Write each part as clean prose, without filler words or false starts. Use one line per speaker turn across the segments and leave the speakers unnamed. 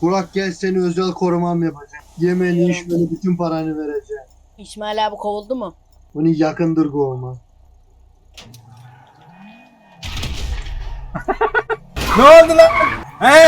Burak gel seni özel korumam yapacağım. Yemeğini içmeni bütün paranı vereceğim.
İsmail abi kovuldu mu?
Bunu yakındır kovma.
Ne oldu lan? He?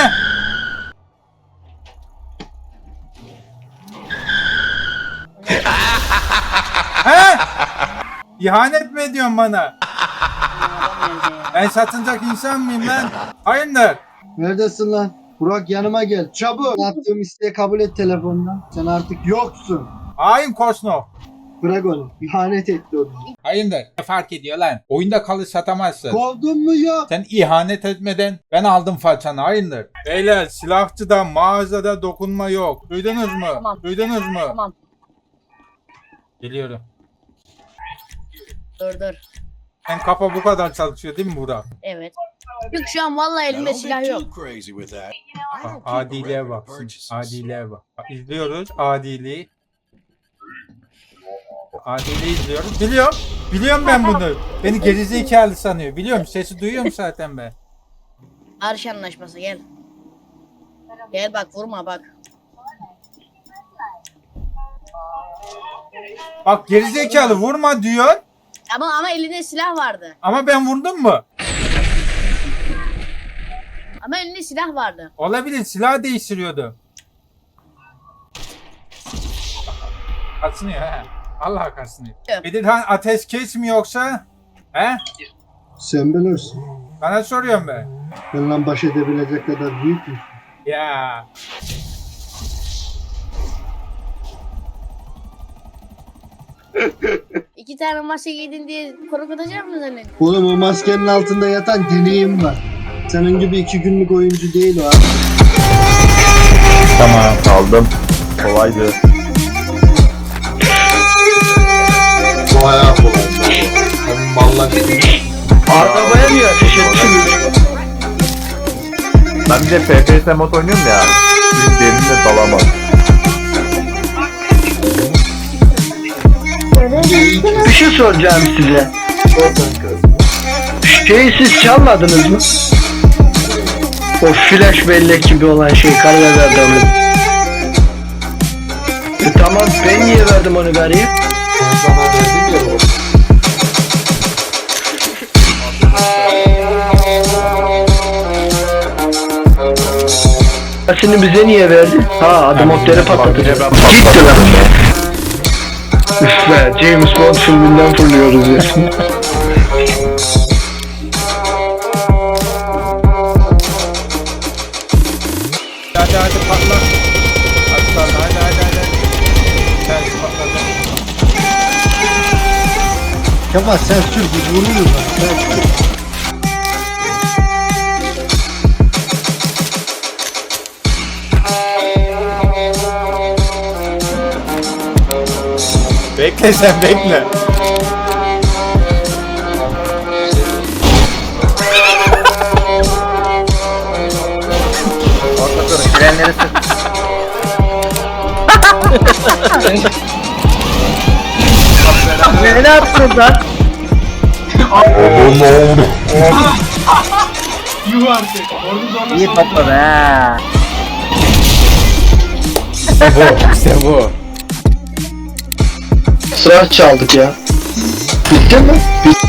He? İhanet mi ediyorsun bana? Ben satılacak insan mıyım lan? Hayırdır?
Neredesin lan? Burak yanıma gel. Çabuk. Yaptığım isteği kabul et telefondan. Sen artık yoksun.
Hain Kosnov.
Bırak onu. İhanet etti o bizi.
Hayırdır? Ne fark ediyor lan? Oyunda kalı satamazsın.
Kovdun mu yok?
Sen ihanet etmeden ben aldım façanı, hayırdır? Beyler, silahçıda, mağazada dokunma yok. Duydunuz mu?
Tamam.
Duydunuz mu?
Tamam.
Geliyorum.
Dur.
Sen kafa bu kadar çalışıyor değil mi Burak?
Evet. Yok şu an vallahi elimde silah yok.
Bak, adiliğe bak. Adiliğe bak. Bak, İzliyoruz adiliği. Adiliği izliyoruz. Biliyorum. Biliyorum ben bunu. Beni gerizekalı sanıyor. Biliyorum. Sesi duyuyorum zaten ben.
Arş anlaşması gel. Gel bak vurma bak.
Bak gerizekalı vurma diyor.
Ama elinde silah vardı.
Ama ben vurdum mu?
Ama elinde silah vardı.
Olabilir. Silah değiştiriyordu. Kasınıyor he. Allah kasınıyor.
Evet.
Bedirhan ateşkes mi yoksa? He?
Sen bilirsin.
Sana soruyorum ben.
Benimle baş edebilecek kadar büyük müsün?
Ya.
İki tane maske giydin diye korkutacak mı zannediyorsun?
Oğlum o maskenin altında yatan deneyim var. Senin gibi 2 günlük oyuncu değil o abi.
Tamam aldım. Kolaydı.
Bayağı kolay. Senin mallar
Arabaya niye ateş ettin?
Ben bir de FPS mod oynuyorum ya. Benim derinle dalamam.
Bir şey soracağım size. Şeyi siz çalmadınız mı? O flash bellek gibi olan şey karga adamı. Tamam ben niye verdim onu gariye?
Ben sana verdim ya o.
Seni bize niye verdi? Ha adam otları patlatacak.
Ben
Gitti lan. Üf be James Bond filminden fırlıyoruz ya.
Hadi patla. Aslan hadi. Sen patladı.
Kemal sen sür biz vuruyoruz lan. Sen sür.
Bekle sen bekle.
Frenleri sık. Ne yaptın lan? İyi patladı ha.
İşte bu.
Sıra çaldık ya. Bitti mi? Bitti.